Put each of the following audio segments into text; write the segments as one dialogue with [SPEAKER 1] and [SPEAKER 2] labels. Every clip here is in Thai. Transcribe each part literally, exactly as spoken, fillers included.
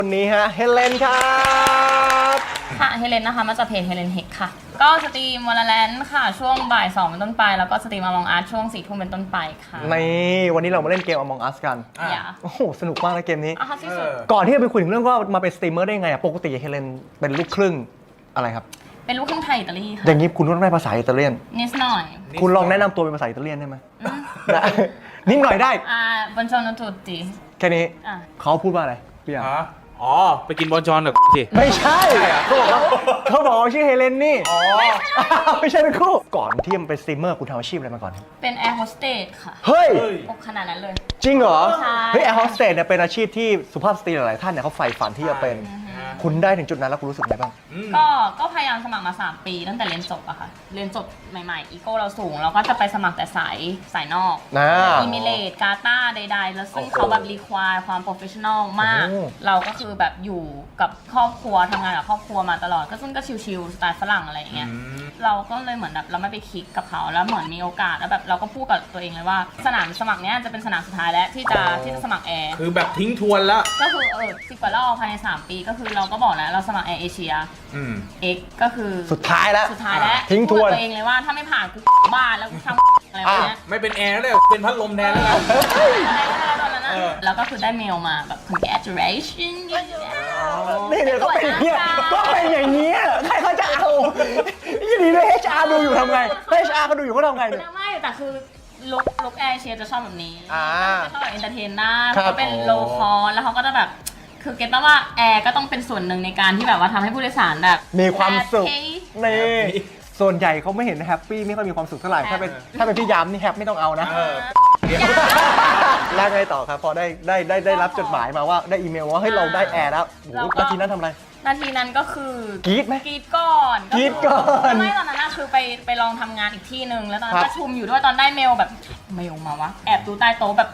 [SPEAKER 1] วันนี้ฮะเฮเลนครับ
[SPEAKER 2] ค่ะเฮเลนนะคะมาจากเพจเฮเลนเฮกค่ะก็สตรีมวอลเลนค่ะช่วงบ่ายสองเป็นต้นไปแล้วก็สตรีมอมองอาร์ตช่วงสี่ทุ่มเป็นต้นไปค่ะ
[SPEAKER 1] นี่วันนี้เรามาเล่นเกม Among Us กัน
[SPEAKER 2] อย่า
[SPEAKER 1] โอ้โหสนุกมากนะเกมนี้
[SPEAKER 2] อ่ะที่สุด
[SPEAKER 1] ก่อนที่จะไปคุยถึงเรื่องว่ามาเป็นสตรีมเมอร์ได้ไงอะปกติเฮเลนเป็นลูกครึ่งอะไรครับ
[SPEAKER 2] เป็นลูกครึ่งไทยอิตาลีค่ะ
[SPEAKER 1] อย่างนี้คุณต้องได้ภาษาอิตาเลียน
[SPEAKER 2] นิดหน่อย
[SPEAKER 1] คุณลองแนะนำตัวเป็นภาษาอิตาเลียนได้ไหมนิดหน่อยได้
[SPEAKER 2] อ่าบอนจอนตุติ
[SPEAKER 1] แค่นี้เขาพูดว่าอะไรพี่อ่ะ
[SPEAKER 3] อ๋อไปกินบอลจอนกับสิ
[SPEAKER 1] ไม่ใช่เขาบอกเขาบอกชื่อเฮเลนนี่อ๋อไม่ใช่เป็นคู่ก่อนที่จะเป็นสตรีมเมอร์คุณทำอาชีพอะไรมาก่อน
[SPEAKER 2] เป็นแอร์โฮสเตสค่ะ
[SPEAKER 1] เฮ้ย
[SPEAKER 2] ขนาดนั้นเลย
[SPEAKER 1] จริงเหรอ
[SPEAKER 2] ใช่
[SPEAKER 1] เฮ้ยแอร์โฮสเตสเนี่ยเป็นอาชีพที่สุภาพสตรีหลายๆท่านเนี่ยเขาใฝ่ฝันที่จะเป็นคุณได้ถึงจุดนั้นแล้วคุณรู้สึกไงบ้าง
[SPEAKER 2] ก็ก็พยายามสมัครมาสามปีตั้งแต่เรียนจบอะค่ะเรียนจบใหม่ๆอีโก้เราสูงเราก็จะไปสมัครแต่สายสายนอกอิมิเลตกาตาใดๆแล้วซึ่งเขาแบบรีควายความโปรเฟชชั่นอลมากเราก็คือแบบอยู่กับครอบครัวทำงานกับครอบครัวมาตลอดก็ซึ่งก็ชิลๆสไตล์ฝรั่งอะไรอย่างเงี้ยเราก็เลยเหมือนแบบเราไม่ไปคลิกกับเขาแล้วเหมือนมีโอกาสแล้วแบบเราก็พูดกับตัวเองเลยว่าสนามสมัครเนี้ยจะเป็นสนามสุดท้ายแล้วที่จะที่จะสมัครแอร์
[SPEAKER 3] คือแบบทิ้งทวนแล้ว
[SPEAKER 2] ก็คือเออสิบกว่ารอบภายในสามปีก็คือเราก็บอกแล้วเราสมัครแอร์เอเชียเอ็กก็คือ
[SPEAKER 1] สุดท้ายแล้ว
[SPEAKER 2] สุดท้ายแล้ว
[SPEAKER 1] ทิ้งทวน
[SPEAKER 2] ตัวเองเลยว่าถ้าไม่ผ่านกูบ้านแล้วกูทำอะไรแบบนี้
[SPEAKER 3] ไม่เป็นแอร์แล้วเป็นพัดลมแทนแล้วกัน
[SPEAKER 2] อะไรก็ได้ตอนนั้นนะแล้วก็คือได้เมลมาแบบ congratulation
[SPEAKER 1] นี่เนี่ยก็เป็นอย่างเงี้ยก็เป็นอย่างเงี้ยใครเขาจะเอายี่ดีเลย เอช อาร์ ดูอยู่ทำไง เอช อาร์ เขาดูอยู่เขาทำไงเนี่ย
[SPEAKER 2] ไม่แต่คือลุกลุกแอร์เชียจะชอบแบบนี้จะชอบแบบเอนเตอร์เทนได้
[SPEAKER 1] เขา
[SPEAKER 2] เป็นโลคอลแล้วเขาก็จะแบบคือเก็ตป่ะว่าแอร์ก็ต้องเป็นส่วนหนึ่งในการที่แบบว่าทำให้ผู้โดยสารแบบ
[SPEAKER 1] มีความสุขนี่ส่วนใหญ่เขาไม่เห็นแฮปปี้ไม่ค่อยมีความสุขเท่าไหร่ถ้าเป็นถ้าเป็นพี่ยามนี่แฮปไม่ต้องเอานะแล้วไงต่อครับพอได้ได้ได้ได้รับจดหมายมาว่าได้อีเมลว่าเฮ้ยเราได้แอร์แล้วโอ้โหนาทีนั้นทำอะไร
[SPEAKER 2] นาทีนั้นก็คือก
[SPEAKER 1] รี๊ดไหม
[SPEAKER 2] กรี๊ดก่อน
[SPEAKER 1] กรี๊ดก่อน
[SPEAKER 2] ไม่ตอนนั้นนะคือไปไปลองทำงานอีกที่หนึ่งแล้วตอนนั้นประชุมอยู่ด้วยตอนได้เมลแบบเมลมาวะแอบดูใต้โต๊ะแบบ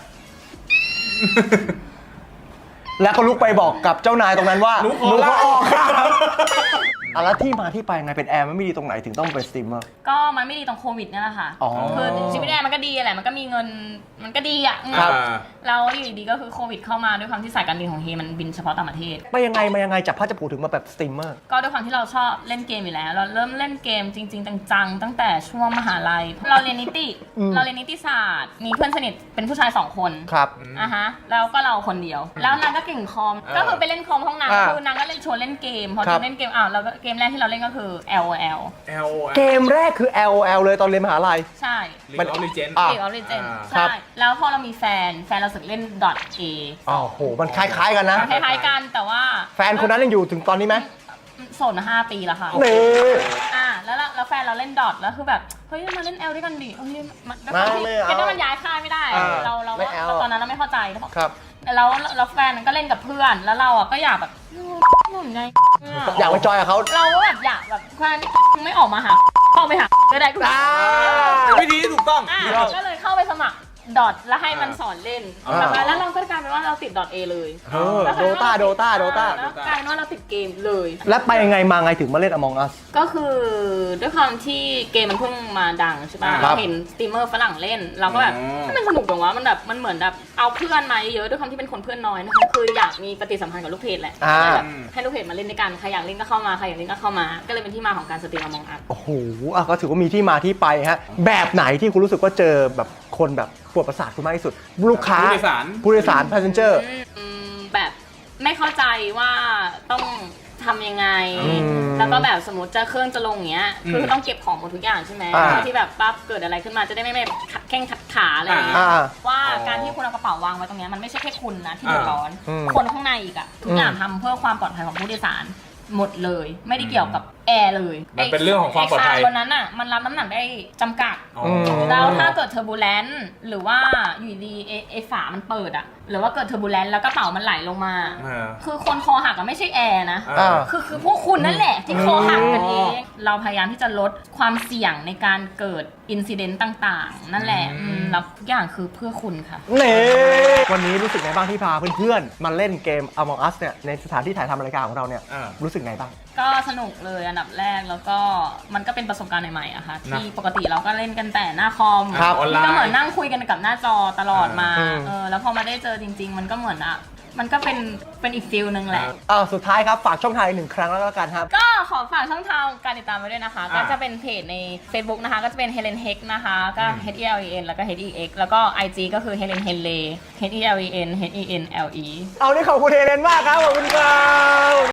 [SPEAKER 1] แล้วก็ลุกไปบอกกับเจ้านายตรงนั้นว่า
[SPEAKER 3] หนูขอลาออกค่ะ
[SPEAKER 1] อะแล้วที่มาที่ไปไงเป็นแอร์มันไม่ดีตรงไหนถึงต้องเป็นสตรีมเมอร์
[SPEAKER 2] ก็มันไม่ดีตรงโควิดนี่แหละค่ะคือชีวิตแอร์มันก็ดีแหละมันก็มีเงินมันก็ดีอ่ะแล้วอยู่ดีก็คือโควิดเข้ามาด้วยความที่สายการบินของเฮมันบินเฉพาะต่างประเทศ
[SPEAKER 1] ไปยังไงมายังไงจากพัชผูถึงมาแบบสตรีมเมอร์
[SPEAKER 2] ก็ด้วยความที่เราชอบเล่นเกมอยู่แล้วเราเริ่มเล่นเกมจริงๆจังๆตั้งแต่ช่วงมหาลัยเราเรียนนิติเราเรียนนิติศาสตร์มีเพื่อนสนิทเป็นผู้ชายสองคน
[SPEAKER 1] ครับ
[SPEAKER 2] อ่ะฮะแล้วก็เราคนเดียวแล้วนางก็เก่งคอมก็คือไปเล่นคอมห้องนางคือนางก็เล่นชวนเล่นเกมพอจะเล่นเกมอ้าวเราก็เกมแรกที่เราเล่นก็คือ แอล โอ แอล
[SPEAKER 1] เกมแรกคือ แอล โอ แอล เลยตอนเรียนมหาลัย
[SPEAKER 2] ใช่
[SPEAKER 3] ลีกออฟลีเจนด์
[SPEAKER 2] ลีกออฟลีเจนด์ใช่แล้วพอเรามีแฟนแฟนเราสึกเล่น .A
[SPEAKER 1] อ๋อโหมันคล้ายๆกันนะ
[SPEAKER 2] คล้ายๆกันแต่ว่า
[SPEAKER 1] แฟนคนนั้นยังอยู่ถึงตอนนี้ไหม
[SPEAKER 2] โสดมาห้าปีแล้วค่ะ
[SPEAKER 1] นี่
[SPEAKER 2] อ่าแล้วแล้วแฟนเราเล่นดอทแล้วคือแบบเฮ้ยมาเล่นแอลด้วยกันดิเฮ้ยมันก็คือมันย้ายค่ายไม่ได้เราเราตอนนั้นเราไม่เข้าใจ
[SPEAKER 1] ครับ
[SPEAKER 2] แล้วแล้วแฟนก็เล่นกับเพื่อนแล้วเราอ่ะก็อยากแบบหนุนไง
[SPEAKER 1] อยากไปจอยกับเขา
[SPEAKER 2] เราก็แบบอยากแบบแฟนไม่ออกมาหาเข้าไปหาก็ได้
[SPEAKER 3] ก็วิธีที่ถูกต้อง
[SPEAKER 2] ก็เลยเข้าไปสมัครดอทแล้วให้มันสอนเล่นแล้วเราก็กลายเป็นว่าเราติดดอทเอเลย
[SPEAKER 1] โดตาโดตาโดตา
[SPEAKER 2] แล้วกลายเป็นว่าเราติดเกมเลย
[SPEAKER 1] แล้วไปยังไงมาไงถึงมาเล่น Among Us
[SPEAKER 2] ก็คือด้วยความที่เกมมันเพิ่งมาดังใช่ป่ะเราเห็นสตรีมเมอร์ฝรั่งเล่นเราก็แบบมันสนุกตรงว่ามันแบบมันเหมือนแบบเอาเพื่อนมาเยอะด้วยความที่เป็นคนเพื่อนน้อยนะคะคืออยากมีปฏิสัมพันธ์กับลูกเพจแหละให้ลูกเพจมาเล่นด้วยกันใครอยากเล่นก็เข้ามาใครอยากเล่นก็เข้ามาก็เลยเป็นที่มาของการสตรีม Among Us
[SPEAKER 1] โอ้โหก็ถือว่ามีที่มาที่ไปฮะแบบไหนที่คุณรู้สึกว่าเจอแบบคนแบบปวดประสาทคุณมากที่สุดลูกค้า
[SPEAKER 3] ผู้โดยสาร
[SPEAKER 1] ผู้โดยสาร passenger
[SPEAKER 2] แบบไม่เข้าใจว่าต้องทำยังไงแล้วก็แบบสมมติจะเครื่องจะลงอย่างเงี้ยคือต้องเก็บของหมดทุกอย่างใช่ไหมที่แบบปั๊บเกิดอะไรขึ้นมาจะได้ไม่ไม่ขัดแข้งขัดขาอะไรอย่างเงี้ยว่าการที่คุณเอากระเป๋าวางไว้ตรงนี้มันไม่ใช่แค่คุณนะที่เดือดร้อนคนข้างในอีกอะทุกอย่างทำเพื่อความปลอดภัยของผู้โดยสารหมดเลยไม่ได้เกี่ยวกับแอร์เลย
[SPEAKER 3] มันเป็นเรื่องของความปลอดภัย
[SPEAKER 2] บนนั้นอ่ะมันรับน้ำหนักได้จำกัดแล้วถ้าเกิดเทอร์บูเลนซ์หรือว่าอยู่ดีไอฝามันเปิดอ่ะหรือว่าเกิดเทอร์บูเลนซ์แล้วกระเป๋ามันไหลลงมาคือคนคอหักก็ไม่ใช่แอร์นะคือคือพวกคุณนั่นแหละที่คอหักกันเองเราพยายามที่จะลดความเสี่ยงในการเกิดอินซิเดนต์ต่างๆนั่นแหละแล้วทุกอย่างคือเพื่อคุณค่ะ
[SPEAKER 1] เน่วันนี้รู้สึกไงบ้างที่พาเพื่อนๆมาเล่นเกม Among Us เนี่ยในสถานที่ถ่ายทำรายการของเราเนี่ยรู้สึกไงบ้าง
[SPEAKER 2] ก็สนุกเลยอันดับแรกแล้วก็มันก็เป็นประสบการณ์ใหม่ๆอะค่ะที่ปกติเราก็เล่นกันแต่หน้าคอมก็เหมือนนั่งคุยกันกับหน้าจอตลอดมาเออแล้วพอมาได้เจอจริงๆมันก็เหมือนอะมันก็เป็นเป็นอีกฟิลนึงแหละ
[SPEAKER 1] อ้าวสุดท้ายครับฝากช่องทางอีกหนึ่งครั้งแล้วกันครับ
[SPEAKER 2] ก็ขอฝากช่องทางการติดตามไว้ด้วยนะคะ ก็จะเป็นเพจใน Facebook นะคะ ก็จะเป็น Helen Heck นะคะ ก็ H E L E N แล้วก็ H E X แล้วก็ ไอ จี ก็คือ Helen Henley H E L E N H E N L E
[SPEAKER 1] เอานี่ขอบคุณเฮเลนมากครับขอบคุณครับ